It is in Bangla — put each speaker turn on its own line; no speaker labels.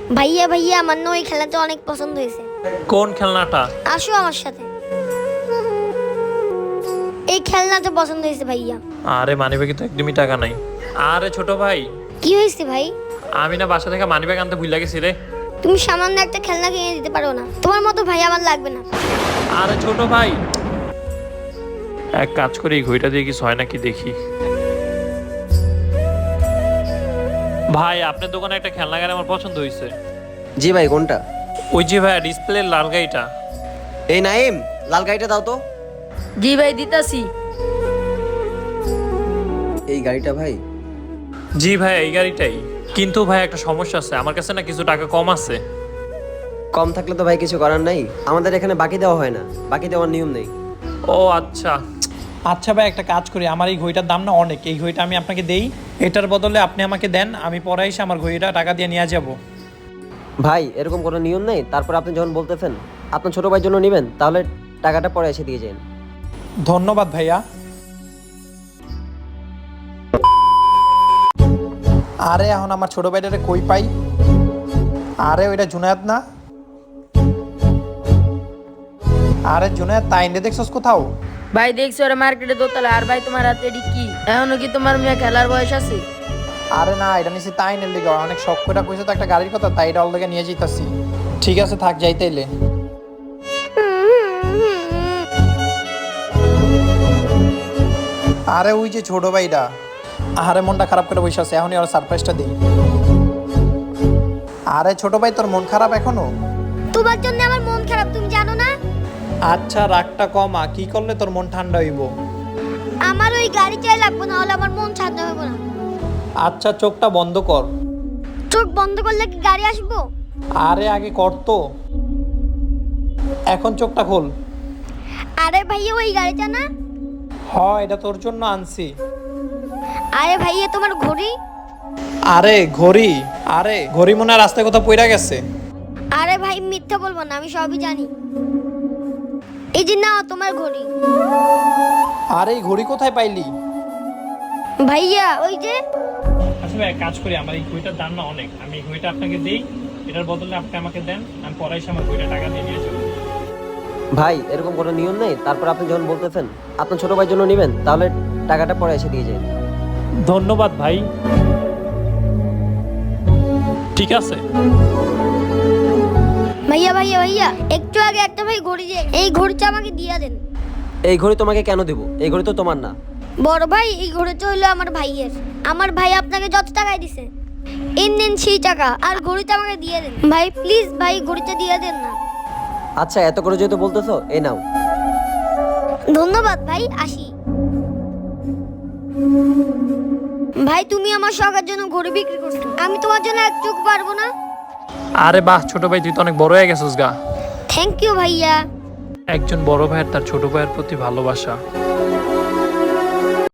ভাইয়া ভাইয়া আমার না ওই খেলাটা অনেক পছন্দ হয়েছে।
কোন খেলনাটা?
আসো আমার সাথে। এই খেলনাটা পছন্দ হয়েছে ভাইয়া।
আরে মানিব্যাগে তো একদমই টাকা নাই। আরে ছোট ভাই,
কি হয়েছে ভাই?
আমি না বাসা থেকে মানিব্যাগ আনতে ভুলে গেছি রে।
তুমি সামান্য একটা খেলনা কিনে দিতে পারো না? তোমার মতো ভাই আমার লাগবে না।
আরে ছোট ভাই, এক কাজ করি, এই ঘড়িটা দিয়ে কিছু হয় নাকি দেখি। ভাই আপনার দোকানে একটা খেলনা গাড়ি আমার পছন্দ হয়েছে।
জি ভাই, কোনটা?
ওই যে ভাই ডিসপ্লে লাল গাড়িটা।
এই নাইম, লাল গাড়িটা দাও তো।
জি ভাই দিতাছি।
এই গাড়িটা ভাই?
জি ভাই এই গাড়িটাই, কিন্তু ভাই একটা সমস্যা আছে, আমার কাছে না কিছু টাকা কম আছে।
কম থাকলে তো ভাই কিছু করার নাই, আমাদের এখানে বাকি দেওয়া হয় না, বাকি দেওয়ার নিয়ম নেই।
ও আচ্ছা।
আচ্ছা ভাই, একটা কাজ করি, আমার এই ঘড়িটার দাম না অনেক, এই ঘড়িটা আমি আপনাকে দেই, এটার বদলে আপনি আমাকে দেন, আমি পরে এসে আমার ঘড়িটা টাকা দিয়ে নিয়ে যাব।
ভাই এরকম কোনো নিয়ম নেই, তারপর আপনি যখন বলতেছেন আপনার ছোট ভাইয়ের জন্য নেবেন, তাহলে টাকাটা পরে এসে দিয়ে যান।
ধন্যবাদ ভাইয়া। আরে এখন আমার ছোট ভাইটারে কই পাই? আরে ওইটা জুনায়েদ না? আরে জুনায়েদ, তাইন্ডে দেখছস কোথাও?
ভাই দেখছো ওরা মার্কেটে দোতলা। আর ভাই তোমার হাতে এটি কি? এখনো কি তোমার মেয়ে খেলার বয়স আছে?
আরে না, এটা নিছি তাইনের লিগে, অনেক শখ করে কইছে তো একটা গাড়ির কথা, তাই এটা ওর লিগে নিয়ে যাইতাছি। ঠিক আছে থাক, যাইতেইলে। আরে ওই যে ছোট ভাইটা, আরে মনটা খারাপ করে বসে আছে, এখনই ওর সারপ্রাইজটা দিই। আরে ছোট ভাই, তোর মন খারাপ এখনো?
তোমার জন্য আমার মন খারাপ, তুমি জানো না?
আচ্ছা রাগটা কমা, কি করলে তোর মন ঠান্ডা হইব?
আমার ওই গাড়ি চাই লাগবে, না হলে আমার মন ঠান্ডা হবে না।
আচ্ছা চোখটা বন্ধ কর।
চোখ বন্ধ করলে কি গাড়ি আসবো?
আরে আগে কর তো, এখন চোখটা খোল।
আরে ভাইয়া ওই গাড়িটা না?
এটা তোর জন্য আনছি।
আরে ভাইয়া তোমার ঘড়ি?
আরে ঘড়ি? আরে ঘড়ি মনে হয় রাস্তায় কোথাও পইরা গেছে।
আরে ভাই মিথ্যা বলবো না, আমি সবই জানি। এই যে নাও তোমার ঘড়ি।
আরে এই ঘড়ি কোথায় পাইলি?
ভাইয়া ওই যে।
আচ্ছা ভাই এক কাজ করি, আমার এই ঘড়িটার দাম না অনেক, আমি এই ঘড়িটা আপনাকে দিই, এটার বদলে আপনি আমাকে দেন, আমি পরে এসে আমার ঘড়িটা টাকা দিয়ে নিয়ে যাবো।
ভাই এরকম কোনো নিয়ম নেই, তারপর আপনি যখন বলতেছেন আপনার ছোট ভাইয়ের জন্য নেবেন, তাহলে টাকাটা পরে এসে দিয়ে যান।
ধন্যবাদ ভাই। ঠিক আছে।
ভাইয়া ভাইয়া ভাইয়া, একটু আগে একটা ভাই ঘড়ি দিয়ে এই ঘড়িটা আমাকে দিয়ে দেন।
এই ঘড়ি তোমাকে কেন দেবো? এই ঘড়ি তো তোমার না।
বড় ভাই এই ঘড়িটা হলো আমার ভাইয়ের। আমার ভাই আপনাকে যত টাকায় দিছে নেন সেই টাকা, আর ঘড়িটা আমাকে দিয়ে দেন ভাই, প্লিজ ভাই ঘড়িটা দিয়ে দেন না।
আচ্ছা এত করে যেহেতু বলতেছো, এই নাও।
ধন্যবাদ ভাই, আসি। ভাই তুমি আমার শখের জন্য ঘড়ি বিক্রি করছো, আমি তোমার জন্য একটু পারবো না?
আরে বাহ ছোট ভাই, তুই তো অনেক বড় হয়ে গেছিস গা।
থ্যাংক ইউ ভাইয়া।
একজন বড় ভাইয়ের তার ছোট ভাইয়ের প্রতি ভালোবাসা।